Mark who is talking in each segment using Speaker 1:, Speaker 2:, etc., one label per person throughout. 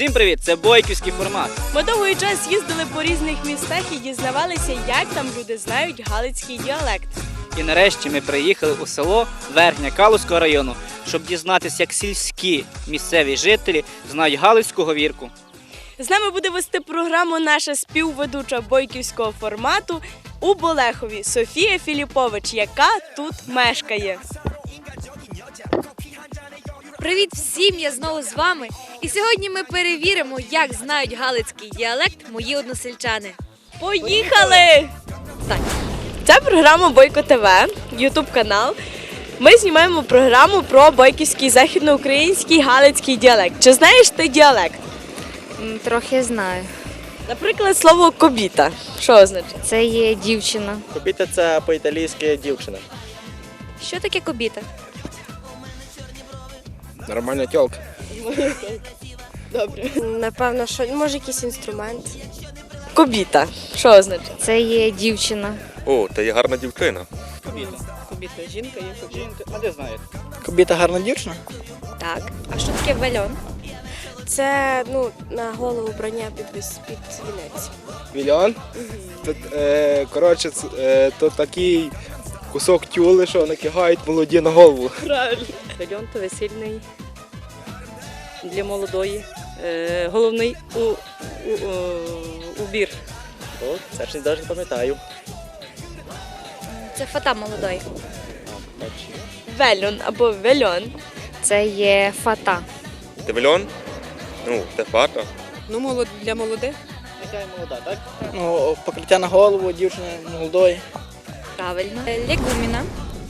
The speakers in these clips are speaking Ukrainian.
Speaker 1: Всім привіт! Це бойківський формат.
Speaker 2: Ми довгий час їздили по різних містах і дізнавалися, як там люди знають галицький діалект.
Speaker 1: І нарешті ми приїхали у село Верхня Калузького району, щоб дізнатися, як сільські місцеві жителі знають галицьку говірку.
Speaker 2: З нами буде вести програму наша співведуча бойківського формату у Болехові Софія Філіпович, яка тут мешкає.
Speaker 3: Привіт всім, я знову з вами. І сьогодні ми перевіримо, як знають галицький діалект мої односельчани.
Speaker 2: Поїхали! Так, це програма Бойко ТВ, ютуб канал. Ми знімаємо програму про бойківський західноукраїнський галицький діалект. Чи знаєш ти діалект?
Speaker 3: Трохи знаю.
Speaker 2: Наприклад, слово «кобіта». Що означає?
Speaker 3: Це є дівчина.
Speaker 4: Кобіта – це по-італійськи дівчина.
Speaker 3: Що таке кобіта?
Speaker 4: Нормальна тёлка.
Speaker 2: Добре.
Speaker 5: Напевно, що може якийсь інструмент.
Speaker 2: Кобіта. Що означає?
Speaker 3: Це є дівчина.
Speaker 6: О, та є гарна дівчина.
Speaker 1: Кобіта.
Speaker 2: Кобіта. Жінка є кобіта.
Speaker 1: Жінка, а де знаєте?
Speaker 4: Кобіта гарна дівчина?
Speaker 3: Так. А що таке вельон?
Speaker 5: Це на голову броня під вінець.
Speaker 4: Вільон? Коротше, то такий кусок тюли, що накигають молоді на голову.
Speaker 2: Правильно.
Speaker 7: Вельон – то весільний для молодої, головний убір.
Speaker 4: О, це ж навіть не пам'ятаю.
Speaker 3: Це фата молодої.
Speaker 2: Вельон або вельон.
Speaker 3: Це є фата.
Speaker 6: Ти вельон? Ну, те фата.
Speaker 8: Ну, для молодих.
Speaker 1: Яка молода, так?
Speaker 4: Ну, покриття на голову дівчини молодої.
Speaker 3: Правильно. Легуміна.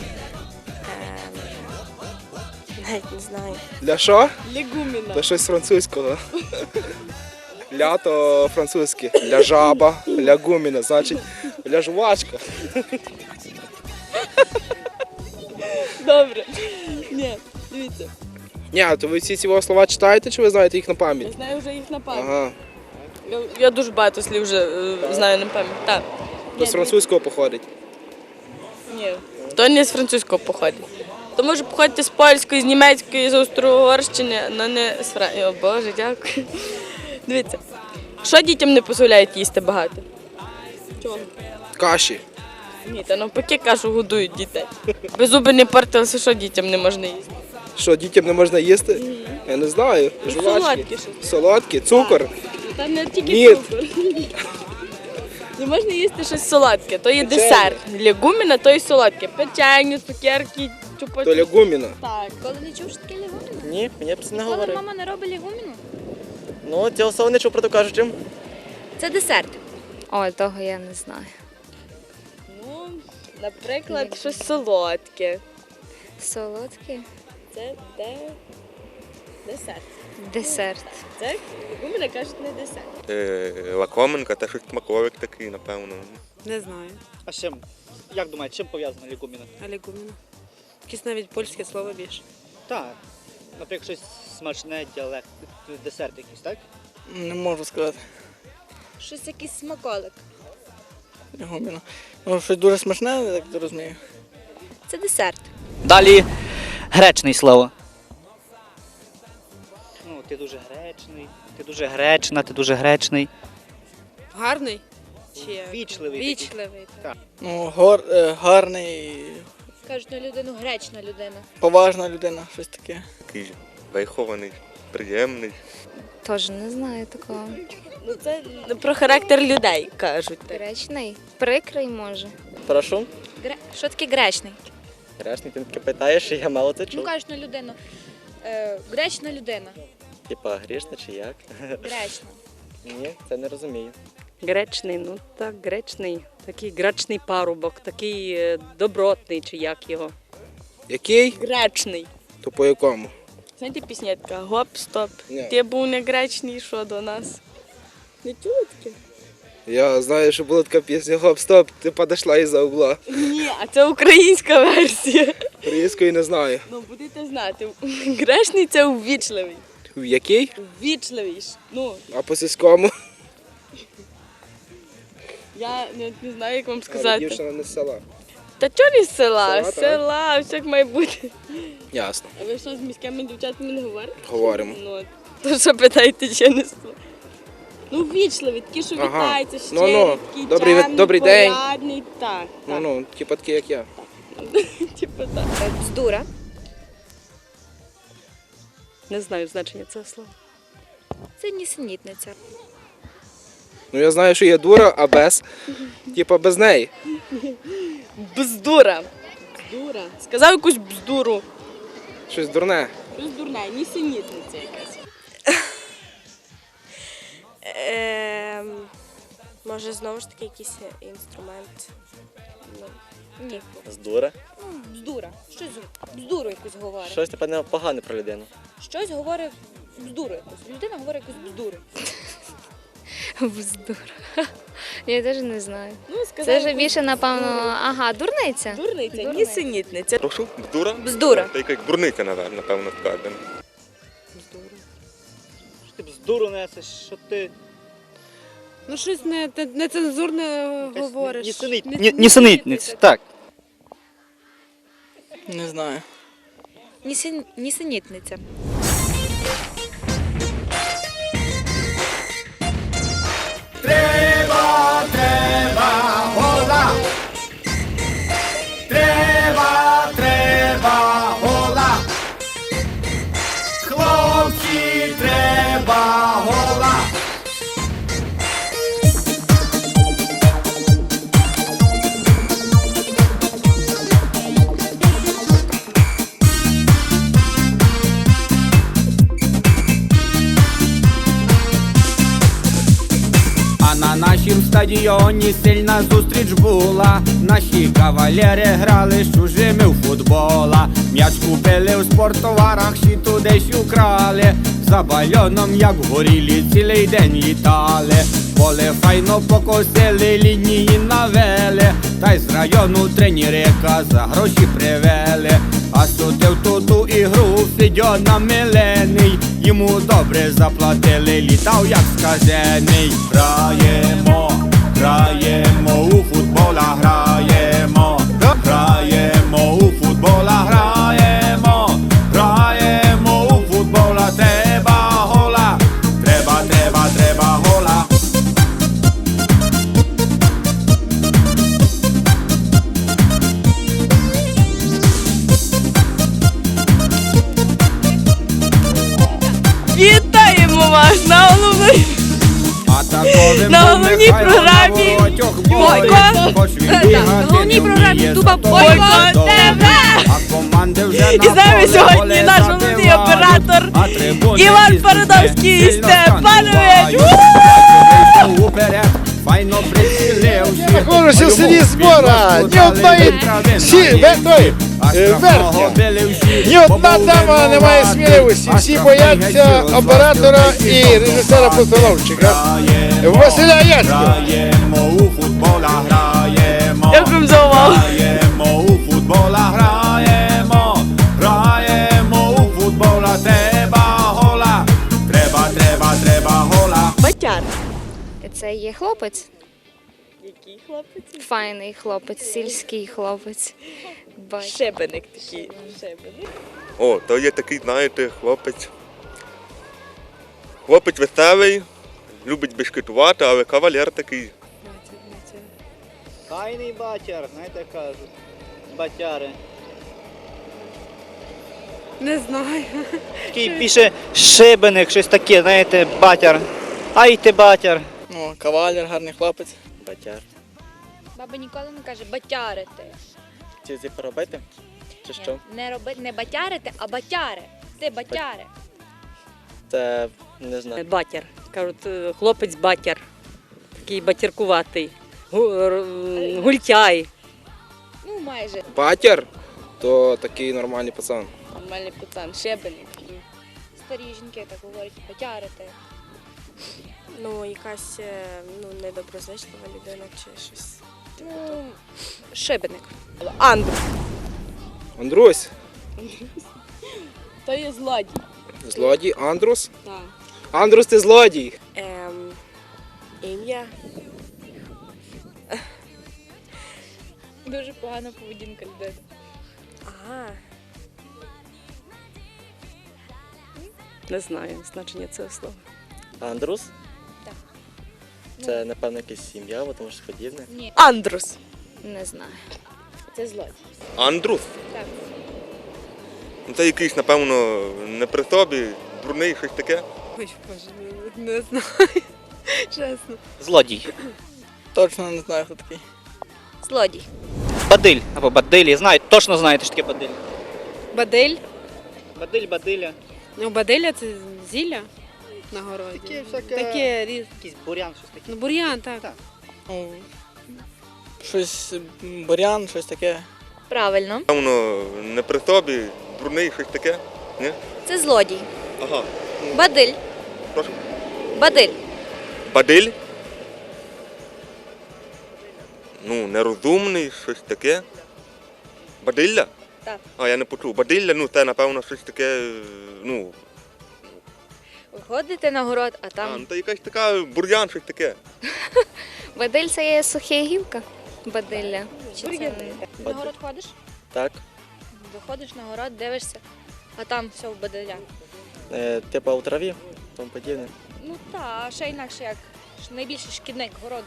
Speaker 5: Навіть не знаю.
Speaker 4: Для що?
Speaker 2: Легуміна.
Speaker 4: То щось французького. Ля то французьке. Ля жаба, ля гуміна, значить ля жувачка.
Speaker 2: Добре. Ні, дивіться.
Speaker 4: Ні, то ви всі ці слова читаєте, чи ви знаєте їх на
Speaker 2: Я
Speaker 4: пам'ять?
Speaker 2: знаю вже їх на пам'ять.
Speaker 4: Ага.
Speaker 2: Я дуже багато слів вже знаю на пам'ять. Так.
Speaker 4: То з французького походить.
Speaker 2: Ні. То не з французького походить. То може походити з польської, з німецької, з Австро-Угорщини, але не з Франції. О Боже, дякую. Дивіться. Що дітям не дозволяють їсти багато? Чого?
Speaker 4: Каші.
Speaker 2: Ні, та навпаки кашу годують дітей. Без зуби не портилися, що дітям не можна їсти.
Speaker 4: Що, дітям не можна їсти? Я не знаю. Жувачки.
Speaker 2: Солодкі щось.
Speaker 4: Солодкі, цукор.
Speaker 2: Та не тільки
Speaker 4: Мід.
Speaker 2: цукор. Не можна їсти щось солодке, то є
Speaker 4: Печення.
Speaker 2: десерт. Легуміна, то є солодке. Печення, цукерки, чупа.
Speaker 4: То лягуміна.
Speaker 2: Так.
Speaker 3: Коли не чув, що таке легуміна?
Speaker 4: Ні, мені б це не
Speaker 3: Коли
Speaker 4: говорив.
Speaker 3: мама не робить легуміну?
Speaker 4: Ну, цього слова не чув, про то кажучи.
Speaker 3: Це десерт. Ой, того я не знаю.
Speaker 2: Ну, наприклад, щось солодке.
Speaker 3: Солодкий
Speaker 2: Це десерт.
Speaker 3: десерт.
Speaker 2: Це легуміна кажуть не десерт.
Speaker 6: Лакоменка, та щось смаковик такий, напевно.
Speaker 8: Не знаю.
Speaker 1: А з чим? Як думаєте, чим пов'язана лікуміна?
Speaker 8: Алігуміна. Якесь навіть польське слово більше.
Speaker 1: Так. Наприклад, щось смачне, діалект, десерт якийсь, так?
Speaker 4: Не можу сказати.
Speaker 3: Щось якийсь смаколик.
Speaker 4: Лягуміна. Ну, щось дуже смачне, я так розумію.
Speaker 3: Це десерт.
Speaker 1: Далі гречний слово. Ну, ти дуже гречний, ти дуже гречна, ти дуже гречний.
Speaker 8: Гарний? Чи як?
Speaker 1: Вічливий. такий.
Speaker 8: Вічливий.
Speaker 4: Ну, гарний,
Speaker 3: Кажуть на людину гречна людина.
Speaker 4: поважна людина, щось таке.
Speaker 6: Такий вихований, приємний.
Speaker 3: Теж не знаю такого.
Speaker 2: Ну, це про характер людей кажуть.
Speaker 3: Гречний? Прикрий може.
Speaker 4: Прошу.
Speaker 3: Що таке гречний?
Speaker 4: Грешний, ти таке питаєш, і я мало це
Speaker 3: Ну
Speaker 4: чув.
Speaker 3: кажуть на людину. Гречна людина.
Speaker 4: Типа грішна чи як?
Speaker 3: Гречна.
Speaker 4: Ні, це не розумію.
Speaker 7: Гречний, ну так, гречний. Такий гречний парубок, такий добротний, чи як його.
Speaker 4: Який?
Speaker 2: Гречний.
Speaker 4: То по якому?
Speaker 2: Знаєте, пісня така гоп-стоп.
Speaker 4: Ні.
Speaker 2: Ти був не гречний, що до нас. Не чули таке?
Speaker 4: Я знаю, що була така пісня «Гоп-стоп, ти подошла із-за угла».
Speaker 2: Ні, а це українська версія.
Speaker 4: Української не знаю.
Speaker 2: Ну, будете знати. Гречний – це увічливий.
Speaker 4: В який?
Speaker 2: Увічливий. Ну,
Speaker 4: А по сільському?
Speaker 2: я не знаю, як вам
Speaker 4: Але
Speaker 2: сказати.
Speaker 4: дівчина не з села.
Speaker 2: Та чого не з села?
Speaker 4: Села,
Speaker 2: З села, все як має бути.
Speaker 4: Ясно.
Speaker 2: А ви що, з міськими дівчатами не говорите?
Speaker 4: Говоримо.
Speaker 2: Ну, То що питаєте, чи не знаю? Ну, ввічливі, такі, що
Speaker 4: Ага.
Speaker 2: вітаються, щирі,
Speaker 4: Ну-ну.
Speaker 2: такі
Speaker 4: Добрий- добрий день.
Speaker 2: порядний. Так, так.
Speaker 4: Ну, типу такі, як я.
Speaker 2: Типу так.
Speaker 3: Бздура.
Speaker 7: Не знаю значення цього слова.
Speaker 3: Це нісенітниця.
Speaker 4: Ну, я знаю, що є дура, а без. Типа без неї.
Speaker 2: Бздура. Бздура. Сказав якусь бздуру.
Speaker 4: Щось дурне.
Speaker 2: Щось дурне, нісенітниця якась.
Speaker 5: Може, знову ж таки якийсь інструмент. Ну,
Speaker 3: Ні.
Speaker 9: Здура.
Speaker 3: Бздура. Щось бздуру якусь говорить.
Speaker 9: Щось напевне погане про людину.
Speaker 3: Щось говорить бздуру якусь. Людина говорить якусь бздуру.
Speaker 10: Бздура. Я теж не знаю.
Speaker 2: Ну, сказав
Speaker 10: Це вже
Speaker 2: якусь
Speaker 10: більше, напевно,
Speaker 2: бздуру.
Speaker 10: ага, дурниця.
Speaker 2: Дурниця,
Speaker 10: Дурниця.
Speaker 2: нісенітниця.
Speaker 6: Прошу, бздура?
Speaker 3: Бздура.
Speaker 6: Та якась бурниця, напевно, скажемо.
Speaker 1: Що ти бздуру несеш, що ти...
Speaker 8: Ну, щось нецензурне говориш.
Speaker 1: Нісенітниця, так.
Speaker 9: Не знаю.
Speaker 3: Нісенітниця.
Speaker 11: А на нашім стадіоні сильна зустріч була. Наші кавалери грали з чужими в футбола. М'яч купили в спорттоварах, ще туди ж украли. За бальоном, як горілі, цілий день літали. Поле файно покосили, лінії навели. Та й з району тренерика за гроші привели. А судив ту ігру Федьона Милений. Йому добре заплатили, літав як сказений. Граємо, граємо у футбола, граємо, граємо у футбола, граємо, граємо у футбола, треба гола, треба гола.
Speaker 2: Вітаємо вас на головній. На головній програмі Бойко.
Speaker 3: На головній програмі Дуба
Speaker 2: Бойко ТВ. І з нами сьогодні наш головний оператор Іван Парадовський Степанович.
Speaker 11: Файно приціливши.
Speaker 12: Знаходжуся в селі Збора. Ні одної верхня. Ні одна тема не має сміливості. Всі бояться оператора і режисера-постановщика Василя Яцького.
Speaker 11: Граємо у футбола, граємо.
Speaker 2: Дякую за увагу.
Speaker 11: Граємо у футбола, граємо. Граємо у футбола, треба гола. Треба гола.
Speaker 2: Батяр.
Speaker 10: Це є хлопець.
Speaker 2: Який хлопець?
Speaker 10: Файний хлопець, сільський хлопець.
Speaker 2: Шебеник такий. Шебеник.
Speaker 6: О, то є такий, знаєте, хлопець. Хлопець веселий, любить бешкетувати, але кавалер такий.
Speaker 1: Файний батяр, знаєте, кажуть. Батяри.
Speaker 8: Не знаю.
Speaker 1: Такий більше шибеник, щось таке, знаєте, батяр. Ай ти батяр.
Speaker 9: О, кавалер, гарний хлопець. Батяр.
Speaker 3: Баба ніколи не каже батярити.
Speaker 9: Чи це поробити? Чи що?
Speaker 3: Не робити, не батярити, а батяри. Ти батяри.
Speaker 9: Це не знаю.
Speaker 7: Батяр. Кажуть, хлопець батяр. Такий батяркуватий. Гультяй.
Speaker 3: Ну, майже.
Speaker 4: Батяр, то такий нормальний пацан.
Speaker 2: Нормальний пацан, шебеник.
Speaker 3: Старі жінки так говорять, батярити.
Speaker 5: Ну, якась недоброзичлива людина чи щось.
Speaker 3: Ну, шибеник.
Speaker 2: Андрій.
Speaker 4: Андрусь.
Speaker 2: То є злодій.
Speaker 4: Злодій. Андрус.
Speaker 2: Так.
Speaker 4: Андрус, ти злодій.
Speaker 5: Ім'я.
Speaker 3: Дуже погана поведінка людини.
Speaker 5: Ага.
Speaker 7: Не знаю значення цього слова.
Speaker 9: Андрус?
Speaker 3: Так.
Speaker 9: Це, напевно, якась сім'я, або тому щось подібне.
Speaker 3: Ні.
Speaker 2: Андрус.
Speaker 10: Не знаю.
Speaker 3: Це злодій.
Speaker 6: Андрус?
Speaker 3: Так.
Speaker 6: Ну, це якийсь, напевно, не при собі, дурний, щось таке.
Speaker 8: Ой, боже, не знаю. Чесно.
Speaker 1: Злодій.
Speaker 9: Точно не знаю, хто такий.
Speaker 3: Злодій.
Speaker 1: Бадиль або бадилі. Знають, точно знаєте, що таке бадиль.
Speaker 8: Бадель.
Speaker 1: Бадиль, бадиля.
Speaker 8: Ну, баделя це зілля на городі. Таке різ.
Speaker 1: Якийсь бурян, щось таке.
Speaker 8: Ну, бур'ян, так.
Speaker 9: Ну, щось бурян, щось таке.
Speaker 3: Правильно.
Speaker 6: Напевно, не при собі, дурний, щось таке. Ні?
Speaker 3: Це злодій.
Speaker 6: Ага.
Speaker 3: Бадиль.
Speaker 6: Прошу.
Speaker 3: Бадиль.
Speaker 6: Бадиль? Ну, нерозумний, щось таке. Бадилля?
Speaker 3: Так.
Speaker 6: А, я не почув. Бадилля, ну, це, напевно, щось таке, ну,
Speaker 3: Виходите на город, а
Speaker 6: ну,
Speaker 3: там
Speaker 6: це якась така бур'ян, щось таке.
Speaker 10: Бадиль це є суха гілка. Бадилля. Чи це...
Speaker 3: на город ходиш,
Speaker 9: Так.
Speaker 3: виходиш на город, дивишся, а там все в баделя.
Speaker 9: Типа у траві, тому подібне.
Speaker 3: Ну так, а ще інакше як найбільший шкідник городу.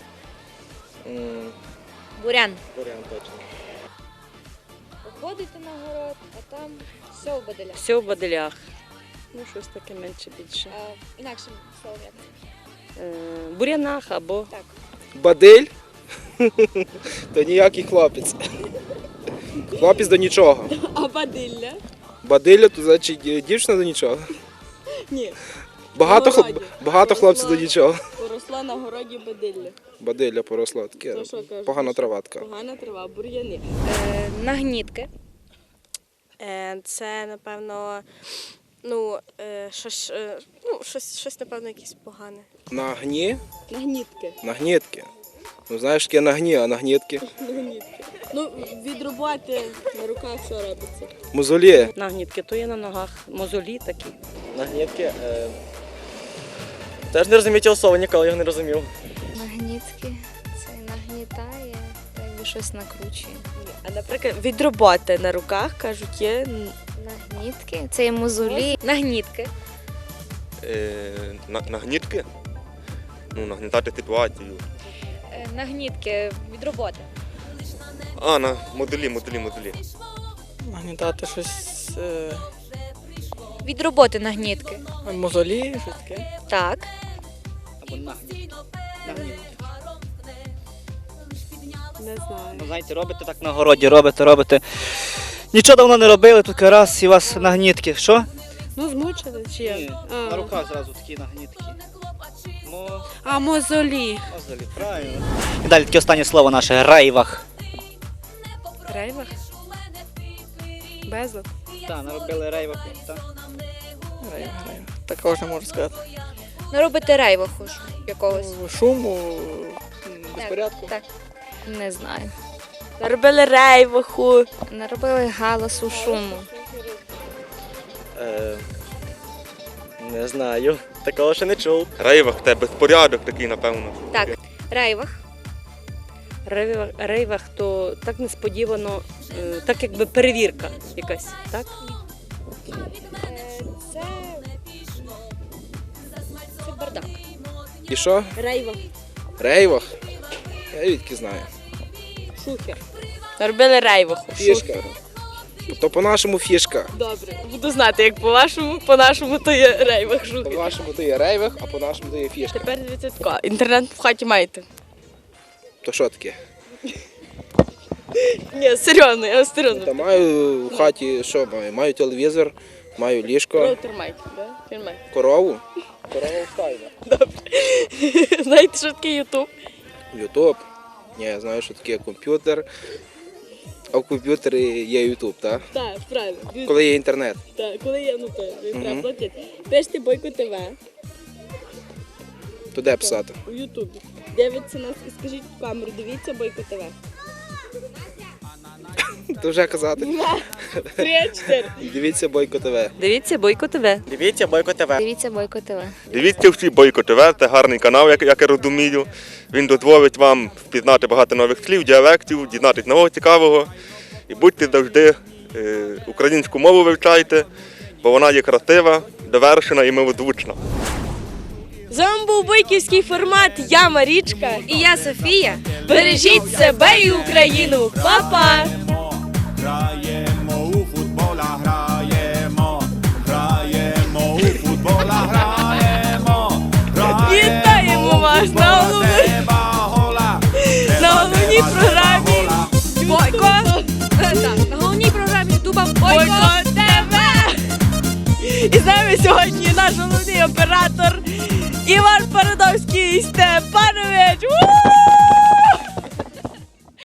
Speaker 3: Бурян.
Speaker 9: Бурян точно.
Speaker 3: Виходите на город, а там все в баделя.
Speaker 7: Все в баделях. Ну, щось таке менше більше.
Speaker 3: А інакшим словом як?
Speaker 7: Бурянах або
Speaker 3: Так.
Speaker 4: Бадиль? То ніякий хлопець. Хлопець до нічого.
Speaker 2: А бадилля?
Speaker 4: Бадилля, то значить дівчина до нічого.
Speaker 2: Ні.
Speaker 4: Багато хлопців до нічого.
Speaker 2: Поросла на городі бадилля.
Speaker 4: Бадилля поросла, таке
Speaker 2: То що кажуть?
Speaker 4: погана трава така.
Speaker 2: Погана трава, бур'яни.
Speaker 3: Нагнітки.
Speaker 5: Це, напевно, щось, напевно, якесь погане.
Speaker 4: Нагні?
Speaker 2: Нагнітки.
Speaker 4: Нагнітки. Ну знаєш, таке нагні, а нагнітки.
Speaker 2: Нагнітки. Ну, від роботи на руках що робиться?
Speaker 4: Мозолі.
Speaker 7: нагнітки, то є на ногах. Мозолі такі.
Speaker 9: Нагнітки. Теж не розумію цього слова, ніколи його не розумів.
Speaker 10: Нагнітки. Це нагнітає, та якби щось накручує.
Speaker 2: А, наприклад, від роботи на руках, кажуть, є
Speaker 10: Нагнітки. Це є мозолі.
Speaker 3: Нагнітки.
Speaker 6: Нагнітки? Ну, нагнітати ситуацію.
Speaker 3: Нагнітки від роботи.
Speaker 6: А, на моделі.
Speaker 9: Нагнітати щось
Speaker 3: Від роботи нагнітки.
Speaker 9: мозолі, щось таке.
Speaker 3: Так.
Speaker 1: Або нагнітки. Нагнітки.
Speaker 8: Не знаю.
Speaker 1: Ну, знаєте, робите так на городі, робите. Нічого давно не робили, тільки раз і у вас нагнітки. Що?
Speaker 8: Ну, змучили чи як?
Speaker 1: Ні, на руках зразу такі нагнітки.
Speaker 8: А мозолі.
Speaker 1: Мозолі, правильно. І далі таке останнє слово наше рейвах.
Speaker 8: Рейвах? Безлад.
Speaker 1: Так, наробили рейвах. Так.
Speaker 9: Такого ж не можу сказати.
Speaker 3: Ну, робите рейваху ж якогось.
Speaker 9: Шуму, безпорядку.
Speaker 3: Так.
Speaker 10: Не знаю.
Speaker 2: робили рейваху.
Speaker 10: Наробили галасу, шуму.
Speaker 9: Не знаю. Такого ще не чув.
Speaker 6: Рейвах, це безпорядок такий, напевно.
Speaker 3: Так. Рейвах.
Speaker 7: Рейвах, то так несподівано, так якби перевірка якась, так?
Speaker 3: Це бардак.
Speaker 4: І що?
Speaker 2: Рейвах.
Speaker 4: Рейвах? Я відки знаю.
Speaker 2: Шухер. Робили рейваху.
Speaker 4: Фішка. То по-нашому фішка.
Speaker 2: Добре. Буду знати, як по-вашому, по-нашому то є рейвах шухер.
Speaker 4: По-вашому то є рейвах, а по-нашому то є фішка.
Speaker 2: Тепер дивіться тако. Інтернет в хаті маєте?
Speaker 4: То що таке?
Speaker 2: Ні, серйозно, я серйозно.
Speaker 4: Та маю в хаті, що маю? Маю телевізор, маю ліжко,
Speaker 2: Роутер маєте, да? Фільмай.
Speaker 4: корову. Корова в стайні.
Speaker 2: Знаєте, що таке Ютуб?
Speaker 4: Ютуб. Ні, я знаю, що таке комп'ютер. А в комп'ютері є Ютуб, так?
Speaker 2: Так, правильно.
Speaker 4: Коли є інтернет.
Speaker 2: Так, коли є, ну то треба платити. Пишете Бойко ТВ
Speaker 4: То де писати?
Speaker 2: у Ютубі. Дивіться нас і скажіть в камеру, дивіться Бойко ТВ.
Speaker 4: То вже казати.
Speaker 2: 3-4.
Speaker 4: Дивіться Бойко ТВ.
Speaker 7: Дивіться Бойко ТВ.
Speaker 9: Дивіться Бойко ТВ.
Speaker 10: Дивіться Бойко ТВ.
Speaker 6: Дивіться всі Бойко ТВ, це гарний канал, як я розумію. Він дозволить вам впізнати багато нових слів, діалектів, дізнатися нового цікавого. І будьте завжди, українську мову вивчайте, бо вона є красива, довершена і милозвучна.
Speaker 2: З вами був бойківський формат. Я Марічка.
Speaker 3: І я Софія.
Speaker 2: Бережіть себе і Україну. Па-па!
Speaker 11: Граємо у футбола, граємо у футбола, граємо.
Speaker 2: Вітаємо вас на головній програмі Бойко.
Speaker 3: Так, на головній програмі Ютуба
Speaker 2: Бойко ТВ. І з нами сьогодні наш головний оператор Іван Парадовський Степанович.